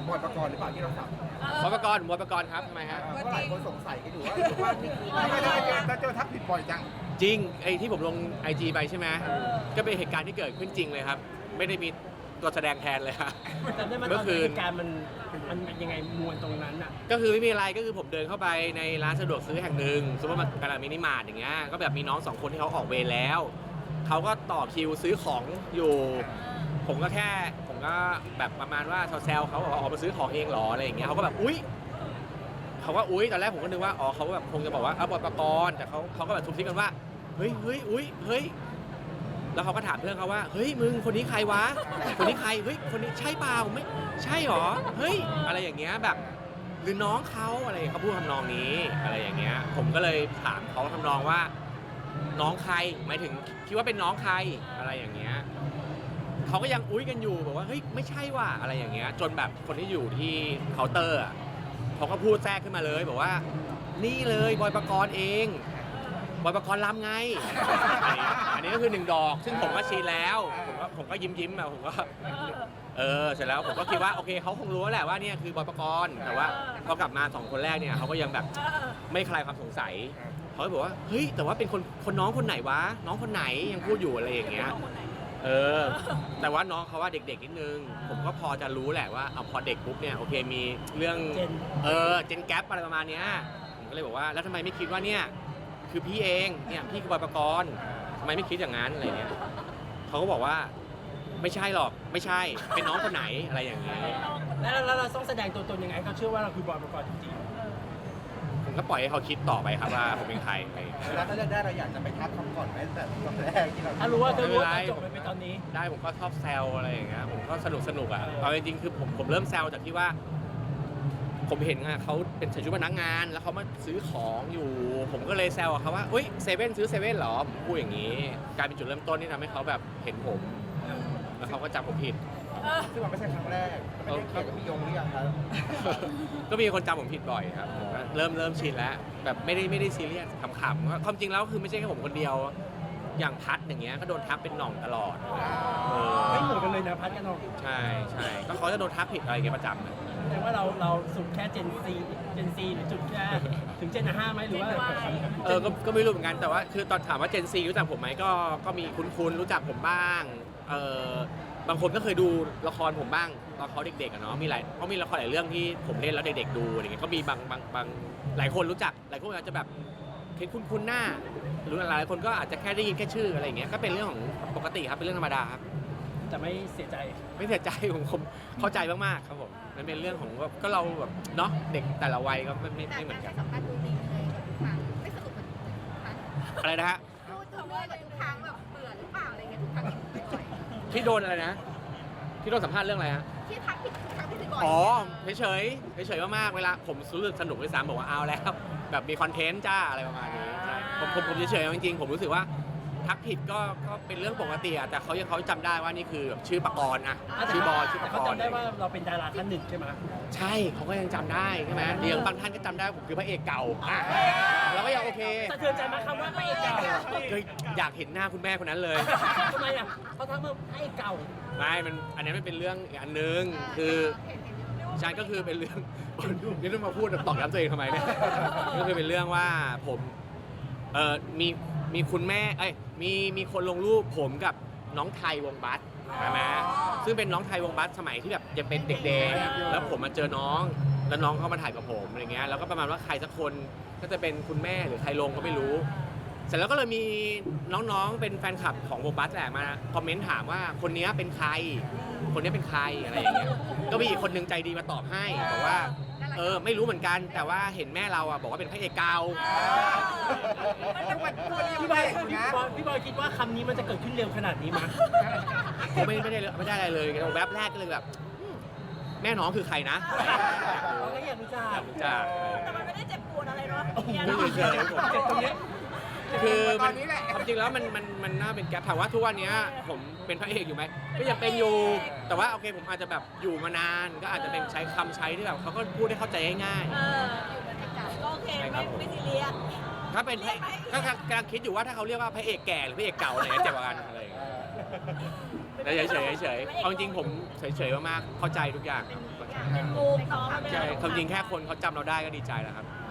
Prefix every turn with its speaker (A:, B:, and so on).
A: บอยปกรณ์หรือเปล่าที่เราทำ
B: บอยปกรณ์ครับทำไมฮะ
A: เพราะหลายคนสงสัยกันอยู่ว่านี่คือไม่ได้เจอทักผิดบ่อยจัง
B: จริงไอ้ที่ผมลง IG ไปใช่ไหมก็เป็นเหตุการณ์ที่เกิดขึ้นจริงเลยครับไม่ได้มีตัวแสดงแทนเลยครับ
C: จำได้ไหมต
B: เมื่
C: อ
B: อน คืน
C: เหตุการณ์มันยังไงมวลตรงนั้นอ่ะ
B: ก็คือไม่มีอะไรก็คือผมเดินเข้าไปในร้านสะดวกซื้อแห่งหนึ่งซูเปอร์มาร์เก็ตมินิมาร์ทอย่างเงี้ยก็แบบมีน้อง2 คนที่เขาออกเวรแล้วเขาก็ต่อคิวซื้อของอยู่ ผมก็แบบประมาณว่าแซวเขาบอกว่าออกมาซื้อของเองเหรออะไรอย่างเงี้ยเขาก็แบบอุ๊ยตอนแรกผมก็นึกว่าอ๋อเขาแบบคงจะบอกว่าบอยปกรณ์แต่เขาก็แบบทุบทิ้งกันว่าเฮ้ยแล้วเขาก็ถามเพื่อนเขาว่าเฮ้ยมึงคนนี้ใครวะคนนี้ใครเฮ้ยคนนี้ใช่เปล่าไม่ใช่หรอเฮ้ยอะไรอย่างเงี้ยแบบหรือน้องเขาอะไรเขาพูดทำนองนี้อะไรอย่างเงี้ยผมก็เลยถามเขาทำนองว่าน้องใครหมายถึงคิดว่าเป็นน้องใครอะไรอย่างเงี้ยเขาก็ยังอุ้ยกันอยู่บอกว่าเฮ้ยไม่ใช่ว่ะอะไรอย่างเงี้ยจนแบบคนที่อยู่ที่เคาน์เตอร์อ่ะเขาก็พูดแทรกขึ้นมาเลยบอกว่านี่เลยบอยปกรณ์เองบอยปกรณ์ลำไง อันนี้ก็คือ1 ดอกซึ่งผมก็ชี้แล้วผมก็ยิ้มแบบผมก็เสร็จแล้วผมก็คิดว่าโอเคเขาคงรู้แหละว่าเนี่ยคือบอยปกรณ์แต่ว่าพอกลับมา2 คนแรกเนี่ยเขาก็ยังแบบไม่คลายความสงสัยเขาก็บอกว่าเฮ้ยแต่ว่าเป็นคนน้องคนไหนวะน้องคนไหนยังพูดอยู่อะไรอย่างเงี้ยแต่ว่าน้องเขาว่าเด็กๆนิดนึงผมก็พอจะรู้แหละว่าเอาพอเด็กปุ๊บเนี่ยโอเคมีเรื่องเจนแกปอะไรประมาณเนี้ยผมก็เลยบอกว่าแล้วทำไมไม่คิดว่าเนี่ยคือพี่เองเนี่ยพี่คือบอยปกรณ์ทำไมไม่คิดอย่างนั้นอะไรเงี้ยเขาก็บอกว่าไม่ใช่หรอกไม่ใช่เป็นน้องคนไหนอะไรอย่างเงี้ย
C: แล้วเราต้องแสดงตัวตนยังไงเขาเชื่อว่าเราคือบอยปกรณ์จริง
B: ผมก็ปล่อยให้เขาคิดต่อไปครับว่าผมเป็นใครอะไรอย่างเงี้ย
A: แล้วถ้าเลือกได้เราอยากจะไปทักคำก่อนไหมแต่ตอนแรกที่เรา
C: ๆถ้ารู้ว่าตอนจบไปตอนนี้
B: ได้ผมก็ชอบแซวอะไรอย่างเงี้ยผมก็สนุกอ่ะเอาจริงๆคือผมเริ่มแซวจากที่ว่าผมเห็นอ่ะเขาเป็นใส่ชุดพนักงานแล้วเขามาซื้อของอยู่ผมก็เลยแซวเขาว่าเฮ้ยเซเว่นซื้อเซเว่นเหรอผมพูดอย่างนี้กลายเป็นจุดเริ่มต้นที่ทำให้เขาแบบเห็นผมแล้วเขาก็จำผมผิด
A: ซึ่งมันไม่ใช่ครั้งแรกไม่ได้เกี่ยวกับพี่ยงหรือยังครับ
B: ก็มีคนจำผมผิดบ่อยครับผมก็เริ่มชินแล้วแบบไม่ได้ซีเรียสขำๆความจริงแล้วคือไม่ใช่แค่ผมคนเดียวอย่างพัดอย่างเงี้ยก็โดนทักเป็นหน่องตลอด
C: ไม่เหมือนกันเลยนะพัดกันน้อง
B: ใช่ก็เขาจะโดนทักผิดอะไรอย่างเงี้ยประจำเลย
C: แต่ว่าเราสุดแค่เจนซีหรือจุดแค่ถึงเจน5ไหมหรือว่า
B: ก็ไม่รู้เหมือนกันแต่ว่าคือตอนถามว่าเจนซีรู้จักผมไหมก็มีคุ้นๆรู้จักผมบ้างบางคนก็เคยดูละครผมบ้างตอนเขาเด็กๆอะเนาะเขามีละครหลายเรื่องที่ผมเล่นแล้วเด็กๆดูอะไรเงี้ยก็มีบางหลายคนรู้จักหลายคนอาจจะแบบเห็นคุ้นๆหน้าหรือหลายคนก็อาจจะแค่ได้ยินแค่ชื่ออะไรอย่างเงี้ยก็เป็นเรื่องของปกติครับเป็นเรื่องธรรมดาครับ
C: จะไม่เสียใจ
B: ไม่เสียใจผมเข้าใจมากๆครับผมมันเป็นเรื่องของก็เราแบบเนาะเด็กแต่ละวัยก็ไม่เหมือนกัน
D: แต่สัมภาษณ์ดูดีเลยกับทุกครั้งไม่สนุกเหมือนทุกครั้ง
B: อะไรนะฮะ
D: ดูเลยกับทุกครั้งแบบเบื่อหรือเปล่าอะไรเงี้ยทุกครั้งที่บ่อย
B: ที่โดนอะไรนะที่โดนสัมภาษณ์เรื่องอะไรฮะ
D: ที่ทักผิดทุกครั้งที่ถึงบ่อย
B: อ๋อเฉยมากๆเวลาผมรู้สึกสนุกด้วยซ้ำบอกว่าเอาแล้วแบบมีคอนเทนต์จ้าอะไรประมาณนี้ใช่ผมเฉยๆจริงๆผมรู้สึกว่าทักผิดก็เป็นเรื่องปกติอะแต่เขาจำได้ว่านี่คือแบบชื่อปกรณ์อะชื่อบอยชื่อป
C: แต่
B: ก
C: เขา
B: รณ์
C: จำได้ว่าเราเป็นดาราท่านหนึ่งใช่ไหม
B: ใช่เขาก็ยังจำได้ใช่ไหมเดี๋ยวบางท่านก็จำได้ผมคือพระเอกเก่าอ่ะเราก็ยังโอเค
C: สะเทือนใจไหมคำว่าพระเอกเก่า
B: ก็อยากเห็นหน้าคุณแม่คนนั้นเลย
C: ทำไมอ่ะเขาทักมาพระเอกเก่า
B: ไม่อันนี้มันเป็นเรื่องอีกอันนึงคือใช่ก็คือเป็นเรื่อง นี่ต้องมาพูดตอกย้ำตัวเองทำไมเนี่ยก็คือเป็นเรื่องว่าผมมีคุณแม่มีคนลงรูปผมกับน้องไทยวงบัสใช่ไหมซึ่งเป็นน้องไทยวงบัสสมัยที่แบบยังเป็นเด็กๆแล้วผมมาเจอน้องแล้วน้องเขามาถ่ายกับผมอะไรเงี้ยแล้วก็ประมาณว่าใครสักคนก็จะเป็นคุณแม่หรือใครลงก็ไม่รู้ เสร็จแล้วก็เลยมีน้องๆเป็นแฟนคลับของวงบัสแหละมาคอมเมนต์ถามว่าคนนี้เป็นใครคนนี้เป็นใครอะไรอย่างเงี้ยก็มีอีกคนนึงใจดีมาตอบให้บอกว่าไม่รู้เหมือนกันแต่ว่าเห็นแม่เราอ่ะบอกว่าเป็นพระเอกเก่า
C: พี่บอยคิดว่าคำนี้มันจะเกิดขึ้นเร็วขนาดนี้มั้ย
B: ผมไม่ได้อะไรเลยแวบแรกก็เลยแบบแม่น้องคือใครนะ
C: เราก็อยากรู้จัก
B: จ้า
D: แต่มันไม่ได้เจ็บปวดอะไรเนาะ
B: ไม่เคยเจอผม
C: เจ็บตรงนี้
B: คือมันความจริงแล้วมันน่าเป็นแก๊ปถามว่าทุกวันนี้ผมเป็นพระเอกอยู่ไหมก็ยังเป็นอยู่แต่ว่าโอเคผมอาจจะแบบอยู่มานานก็อาจจะเป็นใช้คำใช้ที่แบบเขาก็พูดให้เข้าใจง่าย
D: ก็โอเคไม่ซีเรียส
B: ๆถ้าเป็นก็กำลังคิดอยู่ว่าถ้าเขาเรียกว่าพระเอกแก่หรือพระเอกเก่าอะไรเจ็บกว่ากันอะไรอย่างเงี้ยแต่เฉยๆเอาจริงๆผมเฉยๆมากๆเข้าใจทุกอย่างครับ
D: อย่างเป็นมุมน้อง
B: ใช่ความจริงแค่คนเขาจำเราได้ก็ดีใจแล้วครับ